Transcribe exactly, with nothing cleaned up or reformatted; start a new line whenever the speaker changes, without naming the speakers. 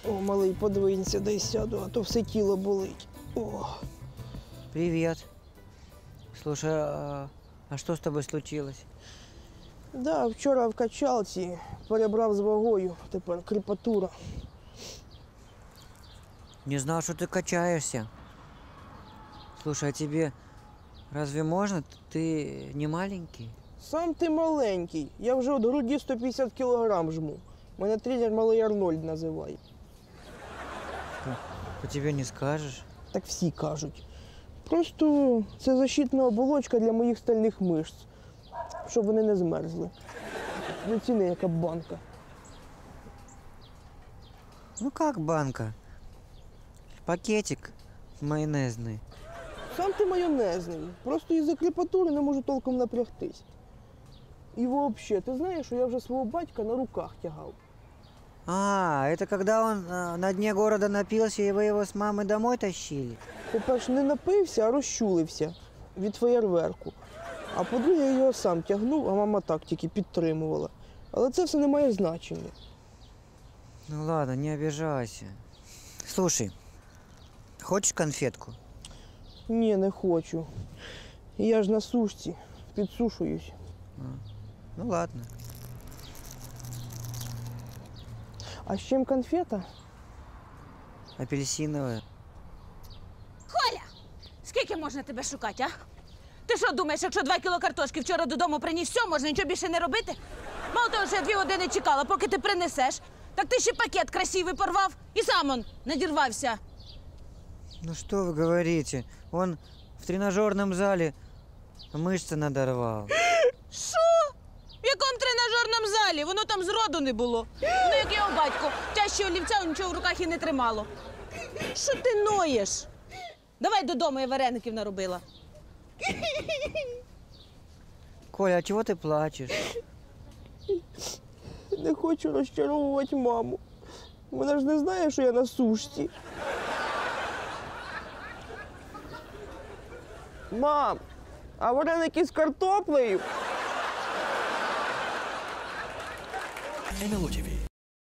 О, малий, подвинься, дай сяду, а то все тіло болить. О.
Привет. Слушай, а, а что с тобой случилось?
Да, вчора в качалці перебрав з вагою, тепер кріпатура.
Не знал, что ты качаешься. Слушай, а тебе разве можно? Ты не маленький?
Сам ти маленький, я вже від груді сто п'ятдесят кілограм жму. Мене тренер Малий Арнольд називає.
По тебе не скажешь.
Так всі кажуть. Просто це защитна оболочка для моїх стальних мишць, щоб вони не змерзли. Не ціни, яка банка.
Ну как банка? Пакетик майонезный.
Сам ти майонезний, просто із-за кріпатури не можу толком напрягтись. І взагалі, ти знаєш, що я вже свого батька на руках тягав.
А, это когда он а, на дне города напился, и вы его с мамой домой тащили?
По-перше, не напився, а розчулився від феєрверку. А по-друге, я його сам тягнув, а мама так тільки підтримувала. Але це все не має значення.
Ну ладно, не обижайся. Слушай, хочешь конфетку?
Ні, не хочу. Я ж на сушці, підсушуюсь.
А, ну ладно.
А з чим конфета?
Апельсиновая.
Коля! Скільки можна тебе шукати, а? Ти що думаєш, якщо два кіло картошки вчора додому приніс, все, можна нічого більше не робити? Мало того, що я дві години чекала, поки ти принесеш, так ти ще пакет красивий порвав і сам он надірвався.
Ну что вы говорите? Он в тренажерном зале мышцы надорвал.
Що? В якому тренажерному залі? Воно там зроду не було. Ну, як його батько, тяжче олівця нічого в руках і не тримало. Що ти ноєш? Давай додому, я вареників наробила.
Коля, а чего ты плачешь?
Не хочу розчаровувати маму. Вона ж не знає, що я на сушці. Мам, а вареники з картоплею?
ен ел о ті ві